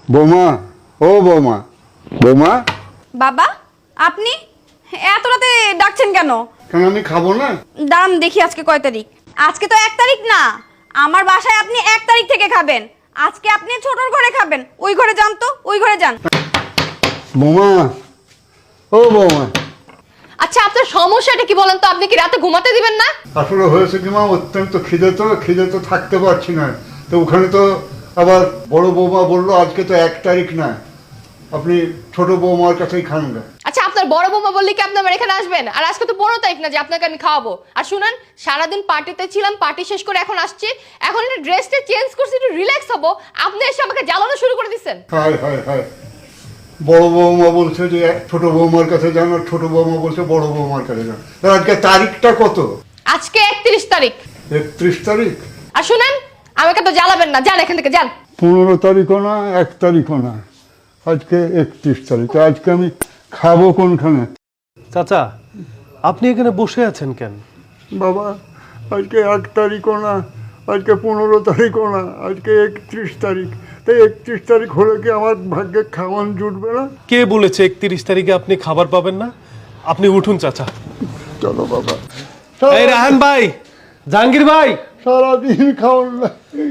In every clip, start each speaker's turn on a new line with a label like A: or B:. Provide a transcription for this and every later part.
A: বৌমা, ও বৌমা, বৌমা।
B: বাবা, আপনি এত রাতে ডাকছেন কেন?
A: কেন আমি খাবো না?
B: দাঁড়ান দেখি আজকে কয় তারিখ। আজকে তো 1 তারিখ না, আমার বাসায় আপনি 1 তারিখ থেকে খাবেন। আজকে আপনি ছোটর ঘরে খাবেন। ওই ঘরে যান তো, ওই ঘরে যান।
A: বৌমা, ও বৌমা।
C: আচ্ছা আপনার সমস্যাটা কি বলেন তো? আপনি কি রাতে ঘুমাতে দিবেন না?
A: আসলে হয়েছে কি মা, অত্যন্ত খিদে তো থাকতে পারছি না। তো ওখানে তো আবার বড় বৌমা বললো আজকে তো 1 তারিখ না, আপনি ছোট বৌমার কাছেই খান না।
C: আচ্ছা আপনার বড় বৌমা বললে কি আপনি আমার এখানে আসবেন? আর আজকে তো 15 তারিখ না যে আপনাকে আমি খাওয়াবো। আর শুনেন, সারাদিন পার্টিতে ছিলাম, পার্টি শেষ করে এখন আসছি, এখন একটু ড্রেসটা চেঞ্জ করছি, একটু রিল্যাক্স হবো, আপনি এসে আমাকে জ্বালানো শুরু করে দিচ্ছেন।
A: হায় হায় হায়, বড় বৌমা বলছে যে ছোট বৌমার কাছে যান, আর ছোট বৌমা বলছে বড় বৌমার কাছে যান। তো আজকে তারিখটা কত?
C: আজকে 31 তারিখ।
A: 31 তারিখ?
C: আর শুনেন, আমাকে তো জ্বালাবেন না, যান এখান থেকে যান।
A: 15 তারিখও না, 1 তারিখও না, আজকে 31 তারিখ। আজকে আমি খাবো কোনখানে?
D: চাচা, আপনি এখানে বসে আছেন কেন?
A: বাবা, আজকে 1 তারিখও না, আজকে 15 তারিখও না, আজকে 31 তারিখ। তাই 31 তারিখ হলে কি আমার ভাগ্যে খাওয়ান জুটবে না?
D: কে বলেছে 31 তারিখে আপনি খাবার পাবেন না? আপনি উঠুন চাচা।
A: চলো বাবা।
D: এই রাহান ভাই, জাহাঙ্গীর ভাই,
A: সারাদিন খাওয়ান না।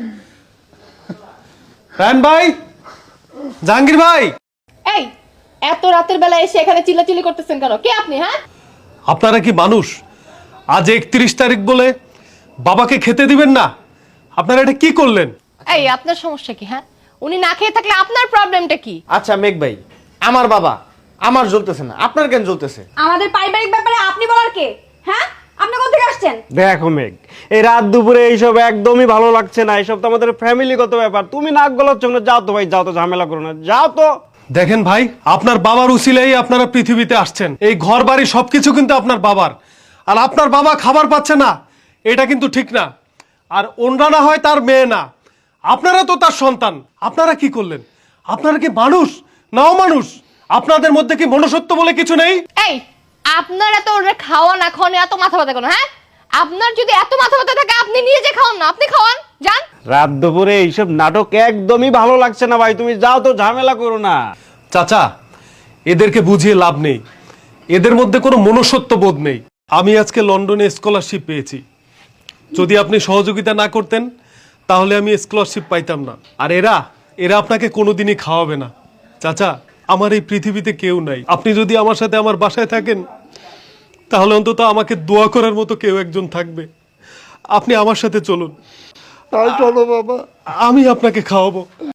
D: রাহান ভাই, জাহাঙ্গীর ভাই।
C: এই এত রাতের বেলা এসে এখানে চিল্লাচিল্লি করতেছেন কেন? কে আপনি? হ্যাঁ,
D: আপনারা কি মানুষ? আজ 31 তারিখ বলে বাবাকে খেতে দিবেন না? আপনারা এটা কি করলেন?
C: এই আপনার সমস্যা কি? হ্যাঁ, উনি না খেয়ে থাকলে আপনার প্রবলেমটা কি?
E: আচ্ছা মেঘ ভাই, আমার বাবা, আমার জ্বলতেছে না, আপনার কেন জ্বলতেছে?
B: আমাদের পারিবারিক ব্যাপারে আপনি বলার কে? হ্যাঁ, আপনি কোথা থেকে আসছেন?
F: দেখো মেঘ, এই রাত দুপুরে এইসব একদমই ভালো লাগছে না। এইসব তো আমাদের ফ্যামিলিগত ব্যাপার। তুমি নাক গলাচ্ছ না, যাও তো ভাই, যাও তো, ঝামেলা করো না, যাও তো।
D: দেখেন ভাই, আপনার বাবার উসিলেই আপনারা পৃথিবীতে আসছেন। এই ঘর বাড়ি সবকিছু কিন্তু আপনার বাবার, আর আপনার বাবা খাবার পাচ্ছে না, এটা কিন্তু ঠিক না। আর ওনরা না হয় তার মেয়ে না, আপনারা তো তার সন্তান। আপনারা কি করলেন? আপনারা কি মানুষ নাও মানুষ? আপনাদের মধ্যে কি মনুষ্যত্ব বলে কিছু নেই?
C: এই আপনার এত ওরে খাওয়া না খাওয়ানো এত মাথা ব্যথা কেন? হ্যাঁ, আপনার যদি এত মাথা ব্যথা থাকে আপনি নিয়ে যে খাওয়ান না, আপনি খাওয়ান, যান।
F: রাত দুপুরে এইসব নাটক একদমই ভালো লাগছে না ভাই, তুমি যাও তো, ঝামেলা করো না।
D: চাচা, এদেরকে বুঝিয়ে লাভ নেই, এদের মধ্যে কোনো মনুষ্যত্ব বোধ নেই। আমি আজকে লন্ডনে স্কলারশিপ পেয়েছি, যদি আপনি সহযোগিতা না করতেন তাহলে আমি স্কলারশিপ পাইতাম না। আর এরা এরা আপনাকে কোনোদিনই খাওয়াবে না। চাচা, আমার এই পৃথিবীতে কেউ নাই। আপনি যদি আমার সাথে আমার বাসায় থাকেন তাহলে অন্তত আমাকে দোয়া করার মতো কেউ একজন থাকবে। আপনি আমার সাথে চলুন,
A: তাই চলো বাবা।
D: আমি আপনাকে খাওয়াবো।